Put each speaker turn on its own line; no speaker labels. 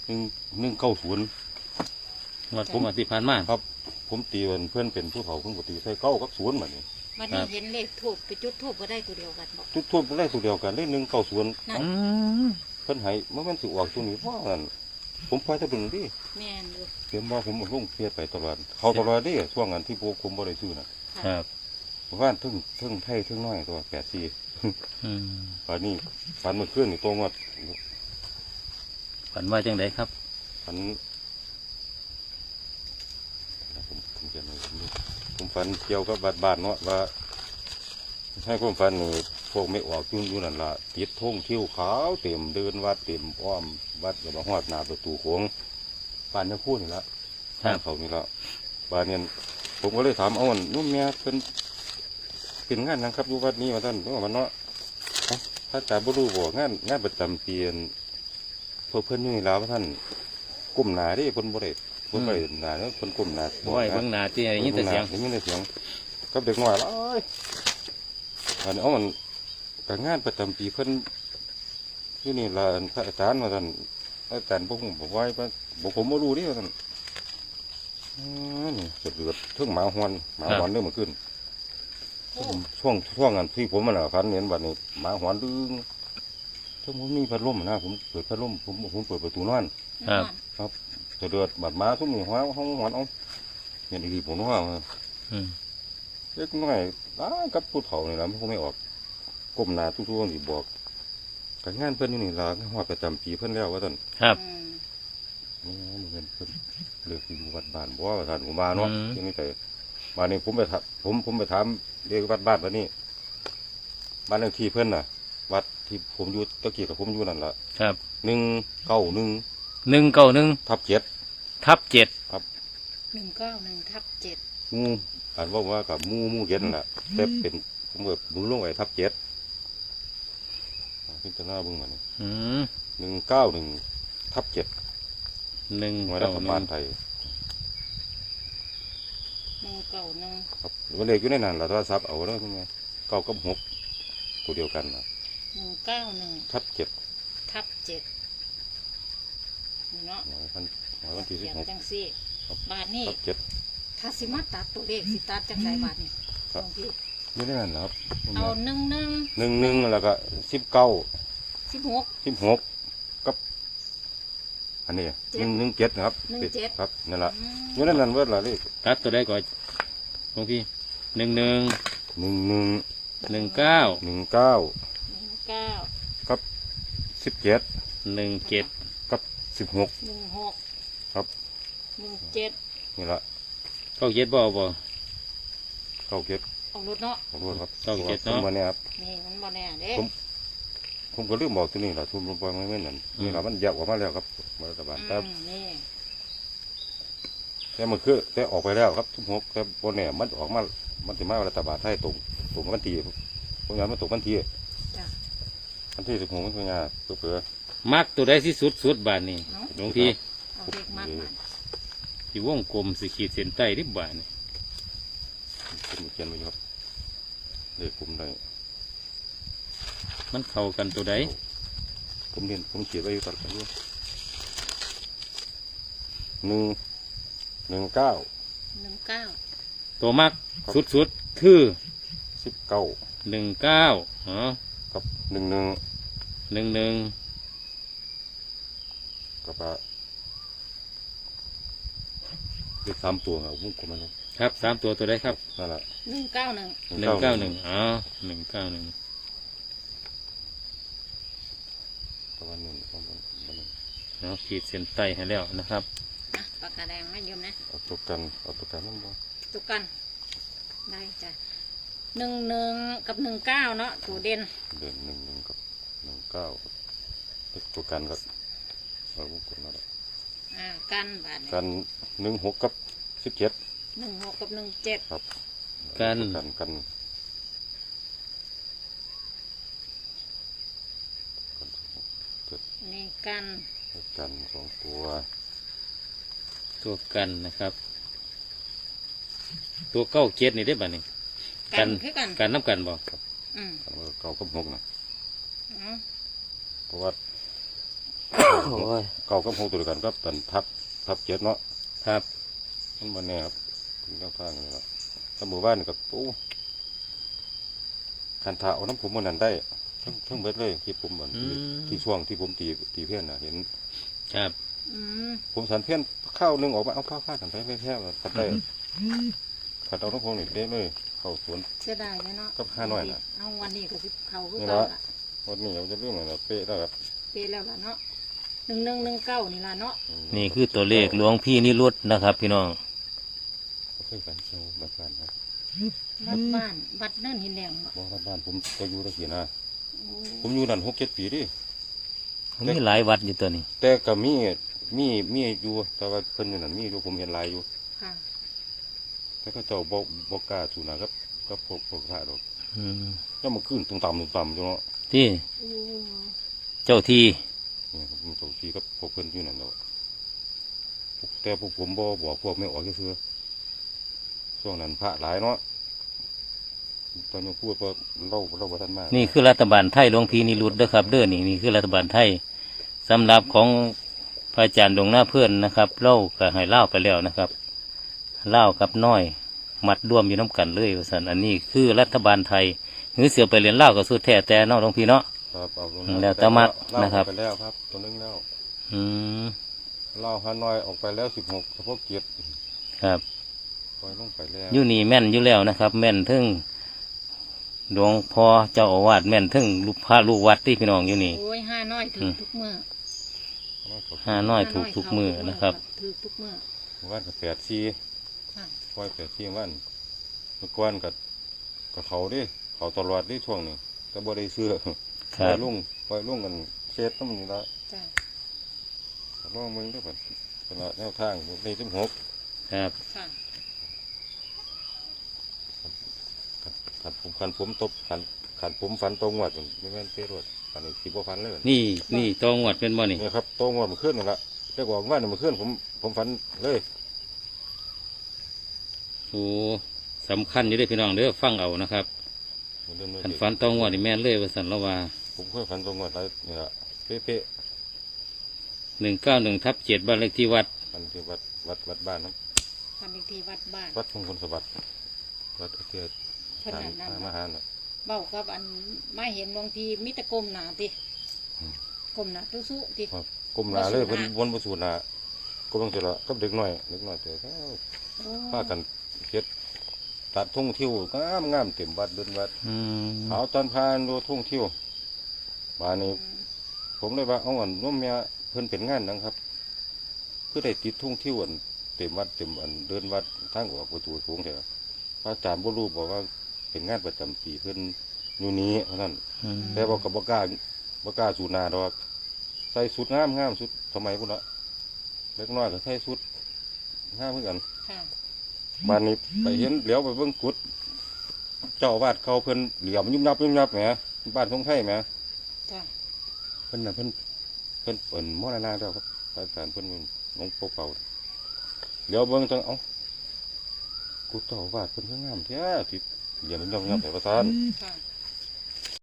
190
งวดผมอธิพานมา
ครับผมตีเพื่อนเป็นผู้เฒ่าเพิ่นก็ตีใส่9กับ0บัดนี้
วันนี้เห็นเลขทูบไปจุดทูบก็ได้ตัวเดียวกันบอก
ทุกทั่วได้ตัวเดียวกันได้190
นั่น
เพิ่นให้เมื่อมันสิออกตัวนี้เพราะนั่นผมปล่อยแต่เบิ่งดิ
แม่นอยู่
เตรียมว่าผมลงเฟียดไปตลอดเขาตลอดดิช่วงนั้นที่ผมบ่ได้ซื้อน่ะ
ครับ
ว่าทึ่งไทยทึ่งน้อยตัว84
อืม
ป่านนี้ฝันเมื่อคืนนี่ตรงว่า
ฝันว่าจังไดครับ
ฝันผมจะไม่รู้ผมฝันเกี่ยวกับบ้านเนาะว่าให้ผมฝันนี่พวกไม่ออกอยู่นั่นล่ะติดธงคิ้วขาวเต็มเดินวัดเต็มอ้อมวัดอย่ามาฮอดหน้าประตูโขงบ้านยังพูดนี่ละ
ครับ
บ้านเขานี่ละบ้านเนี่ยผมก็เลยถามเอาอันนุ่มเมียเป็นงานนะครับอยู่วัดนี้มาท่านว่ามันเนาะเอ้าถ้าแต่บ่รู้บ่งานประจำปีนเพิ่นอยู่นี่แล้วท่านก้มหน้าเดิเพิ่นบ่ได้เพิ่นบ่ได้หน้าเนาะเพิ่นก้มหน้า
บ่อยเบิ่งหน้าที่ได้ยินแต่เสียง
ได้ยินแต่เสียงกับเด็กน้อยหลายอันนี้เอามันกับงานประจำปีเพิ่นอยู่นี่ล่ะอันพระอาจารย์ว่าท่านอาจารย์ผมบอกไว้ว่าบอกผมบ่รู้เดิว่าท่านนี่เดือดเทิงหมาหอนเด้อมันขึ้น
โอ้
ช่วงนั้นที่ผมมันฝันเห็นบัดนี้หมาหอนดึงถ้าผมมีพัดลมนะผมเปิดพัดลมผมเปิดประตูนอน
ครับ
จะเดือดบาดหมาทุกมือหัวห้องหอนเอาเนี่ยดีผมว่า
อืม
เล็กน้อยกับผู้เฒ่านี่แหละมันคงไม่ออกก้มหน้าทุกๆนี่บอกการงานเพิ่นนี่ล่ะฮอดประจำปีเพิ่นแล้วว่าท่าน
ครับ
อืม
นี่มันเพิ่นเลือกอยู่วัดบ้านบ่ว่าท่านผมมาเนาะยังไม่แต่มานี่ผมไปถามผมไปถามเรียกวัดบ้านวันนี้บ้านเลขที่เพิ่นน่ะ วัดที่ผมอยู่ตะกี้กับผมอยู่นั่นล่ะ
ครับ
191
191
ทับ 7
ทับ7
191ทับ7
งูอ่านว่ากับมูเย็นนล่ะแต่เป็นผมแบบมือลงไว้ทับ 7พิจารณาเบิ่งมานี่
อืม
191ทับ 7หน่วยรัฐบาล
191
ไทย
191
ครับมันเลขอยู่ในนั้นล่ะโทรศัพท์เอาเด้อคุณแม่9กับ6ตัวเดียวกันน่ะ
191
ทับ 7
ทับ7นี่เนาะ
หน่วยวันที่
เขียน
16
จังซี่
ครับ
บาทนี่
ทับ
ถ้าสิมาตัดตัวเลขสิตัดจังไดบาทนี่
ครับ
หลวงพี่
7อยู่ในนั้นนะครับ
เอา11
11แล้วก็19
16
16กับอันนี้117นะครับ
17
ครับนั่นล่ะ
อืม
อยู่ในนั้นเบิดล่ะเลข
ตัดตัวใดก่อนหลวงพี่11
11
19
19
9
กับ17
17
กับ16
16
ครับ
17
นี่ละ
เข้าเย็ดบ่บ่
เข้าเก็บ
เอารถเนาะ
ขอโทษครับ
เข้าเก็บเนาะ
ผมมาเนี่ยครับ
นี่มันบ่แน่เด้
ผมก็ลืมบอกที่นี่แหละทุ่มลงไปไม่แม่นนั่นนี่ละมันแยกออกมาแล้วครับรัฐบาลแต่
นี่
มันคือแต่ออกไปแล้วครับ16แต่บนเนี่ยมันออกมามันจะมารัฐบาลไทยตรงวันที่เพราะงั้นมันตกวันที่
จ้ะ
วันที่16มันเป็นไงเผื่อ
มักตัวใดที่สุดบาทนี่
เนาะ
หลวงพี่
เอาเด็กมากมัน
ที่วงกลมสิขีดเส้นใต้ริบบาทนี่
ผมเขียนไว้อยู่ครับเลขผมได้
มันเข้ากันตัวใด
ผมเขียนไว้อยู่ตลอดอยู่119
19
ตัวมักสุดคือ
19
19อ๋อ
กับ11
11
กับเลข3ตัวครับผมกดมัน
ครับ3ตัวตัวใดครับ
นั่นแหละ
191
191อ๋อ191
ประมาณ1ประมาณ
เนาะขีดเส้นใต้ให้แล้วนะครับ
นะปากกาแดงไม่ยืมนะ
เอาตัวกันนั่นบ่
ตุกกันได้จ้ะ11กับ19เนาะตัวเด่น
เดือน11กับ19ตัวกันก็เราวงกลมนั่นแหละ
กันบาท
กัน16กับ17
16กับ17
ครับ
กัน
กัน
นี่กัน
กัน2ตัว
ตัวกันนะครับ ตัว97นี่ได้บ่นี่
กันคือกัน
กันน้ำกันบ่
อืม
กันว่า9กับ6นะ
อืม
เพราะว่า
โอ้ย
เก่ากับหกตัวเดียวกันก็เป็นทับเจ็ดเนาะ
ครับ
มันมาแน่ครับเป็นแนวทางเลยละถ้าหมู่บ้านนี่กับโอ้คันถาเอาน้ำผมมันนั้นได้ทั้งเบิดเลยที่ผมเหมือนที่ช่วงที่ผมตีเพี้ยนน่ะเห็น
ครับ
อืม
ผมสันเพี้ยนข้าวนึงออกมาเอาข้าวกันไปไม่แพ้ขัดได้ขัดเอาน้ำผมนี่เด้เลยเข้าสวน
เสียดายเลยเนาะ
กับห้าน้อยน่ะ
เอาวันนี้ก็สิเขาคือ
นี่
เก่า
ละ
ละ
วันนี้เราจะเรื่องอะไรเป๊ะแล้วครับ
เปแล้วล่ะเนาะ1119นี่ล่ะเนาะ
นี่คือตัวเลขหลวงพี่นิรุตนะครับ พี่น้อง
เคยฝันเชียวบ้านครับ
วัดบ้านวัดเนินหินแดงบ่
บอกบ้านผมจะอยู่ตะเกียนะ
โอ้
ผมอยู่นั่น6-7 ปีดิ
มีหลายวัดอยู่ตัวนี้
แต่ก็มีอยู่แต่ว่าเพิ่นอยู่นั่นมีอยู่ผมเห็นหลายอยู่
ค่ะ
แต่ก็เจ้าบอกกล้าสู่นะครับก็พวกพระดอก
อืม
แล้วมันขึ้นตรงต่ำจังเนาะ
ที่
โอ้
เจ้าที่
เนี่ยผมเจ้าที่ก็พวกเพิ่นอยู่นั่นเนาะแต่พวกผมบ่บอกพวกไม่ออกซื่อๆช่วงนั้นพระหลายเนาะตอนนี้พูดว่าเราบ่ทันมาก
นี่คือรัฐบาลไทยหลวงพี่นิรุตเด้อครับเด้อนี่คือรัฐบาลไทยสำหรับของพระอาจารย์ดวงหน้าเพื่อนนะครับเล่าก็ให้เล่าไปแล้วนะครับเล่ากับน้อย มัดร่วมอยู่น้ำกันเลยว่าสันอันนี้คือรัฐบาลไทยหรือเสือไปเรียนเล่ากับสุดแท้แต่เนอกหลวงพี่เนาะ
ครับเอาลง
แล้วแต่มักนะครับ
เล่าออกไปแล้วครับตัวนึงแล้ว
อืม
เล่าฮานอยออกไปแล้ว16เฉพาะเกียรติ
ครับ
ปล่อยลงไปแล้ว
อยู่นี่แม่นอยู่แล้วนะครับ แม่นทึ่งหลวงพ่อเจ้าอาวาสแม่นทึ่งลูกพระลูกวัดที่พี่น้องอยู่นี่
โอ้ยห้าน้อยถึงทุกมื้อ
ห้าน้อยถูกทุกมือนะครับ
ถือทุกมื้อ
วันกับ84
ค่ะ
ปล่อย84วันเมื่อก่อนกับเขาดิเขาตลอดดิช่วงนี้แต่บ่ได้เสื้อ
ค
ปล่
รั
อบ ยลุงกันเช็ดน้ำนี่ละ
จ้ะ
ลองมึงด้วยบัดตลอดแนวทางใน16
ครับ
ค่ะ
ขันผมตบขันผมฟันตรงวัดไม่แม่นเป๊ะรวดขันนี้สิบ่ฟันเลย
นี่ตองวดเป็นบ่นี่
นี่ครับตรงวัดมันขึ้นนี่ละเรียกว่าว่ามันขึ้นผมฟันเลย
โอ้สำคัญอยู่เด้วยพี่น้องเด้อฟังเอานะครับ
เดิน
ขันฟันตองวดนี่แม่นเลยว่าสันละว่า
ผมเคยฟันตรงวัดแล้วนี่ละเป๊ะ
191/7บ้านเลขที่วัด
ฟันที่วัดบ้านนะ
พันอีกทีวัดบ้าน
วัดมงคลสวัสดิ์วัดเทีย
เพิ่น
ทาง
นั่น
มหาน่ะ
เบ้ากับอันมาเห็นหลวงพี่มิตรกลมหนาติ
อืม
กลมหนาตุสุติ
ครับกลมหนาเลยเป็นวนประสูนหนาก็ต้องเจริญกับเด็กหน่อยเจอ
โอ้
พากันเฮ็ดตัดทุ่งทิวงามเต็มวัดเดินวัด
อืม
ขาวตอนพานดูทุ่งทิวบ้านนี้ผมเลยว่าเอาอันร่วมเมียเพิ่นเป็นงานนะครับเพื่อได้ติดทุ่งทิวอันเต็มวัดเต็มอันเดินวัดทางออกประตูโค้งเถอะพระอาจารย์บ่รู้บอกว่าเป็นงานประจำปีเพิ่นอยู่นี้เท่านั้น
อืม
แต่บอกกับบ่กล้าสูนาดอกใส่สุดงามสุดสมัยพุ่นละเล็กน้อยก็ใส่สุดงามเหมือนกัน
ค่ะ
บ้านนี้ไปเห็นเหลียวไปเบิ่งกุดเจ้าอาวาดเขาเพิ่นเหลี่ยมยุ่มยับแหมบ้านทงไทยแหม
จ้ะ
เพิ่นน่ะเพิ่นเปิดมรณะแล้วครับพระอาจารย์เพิ่นหลวงปู่เป่าเหลียวเบิ่งจังเอ้ากุดเจ้าอาวาดเพิ่นคืองามแท้ที่เหลี่ยมยุ่มยับแต่ประธาน
ค่ะ